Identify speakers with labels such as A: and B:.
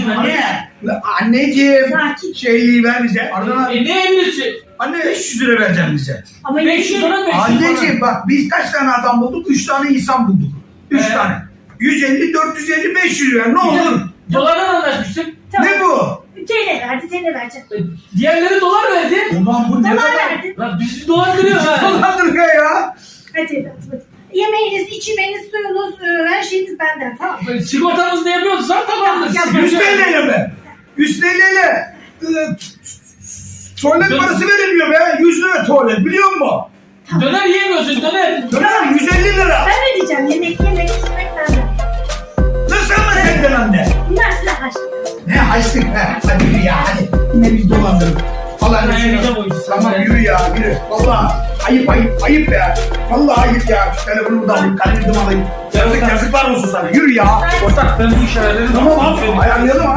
A: Anne. Anneciğim.
B: Sakin.
A: Şeyi ver bize. Ardından.
C: Ne ellisi?
A: Anne 500 lira vereceğim bize.
B: Ama
C: 500 lira 500 lira.
A: Anneciğim bak biz kaç tane adam bulduk? 3 tane insan bulduk. 3 tane. 150, 450, 500 ver ne olur.
C: Dolardan anlaşmıştık.
B: Tamam.
A: Ne bu?
B: TL verdi, TL vereceğim.
C: Diğerleri dolar verdi.
A: Ulan bu ne
B: Dolar
A: kadar?
B: verdi.
C: Lan bizi dolandırıyor ha.
A: Dolandırıyor ya.
B: Hadi evladım hadi. Yemeğiniz, içmeniz, suyunuz, her şeyiniz benden tamam mı?
C: Sigortamızı da yapıyorsan tamamdır.
B: Ya,
A: 100 TL mi? 100 TL ile tuvalet parası verilmiyor be. 100 lira tuvalet biliyor musun?
C: Döner yiyemiyorsun döner.
A: Döner 150 lira.
B: Ben ödeyeceğim yemek, içmek benden.
A: Nasıl ama senden anne?
B: Bunlar size harçlık.
A: Ne açtık be? Hadi yürü ya hadi. Yine biz dolandırdık. Vallahi
C: Ben
A: ne
C: yiyeceğim o işi.
A: Tamam yürü ya yürü. Vallahi ayıp be. Vallahi ayıp ya. Şu telefonumu da alayım, kalemimi de alayım. Yazıklar olsun sana. Yürü ya.
C: Ortak ben bu işe ayarlarım.
A: Tamam abi ayarlayalım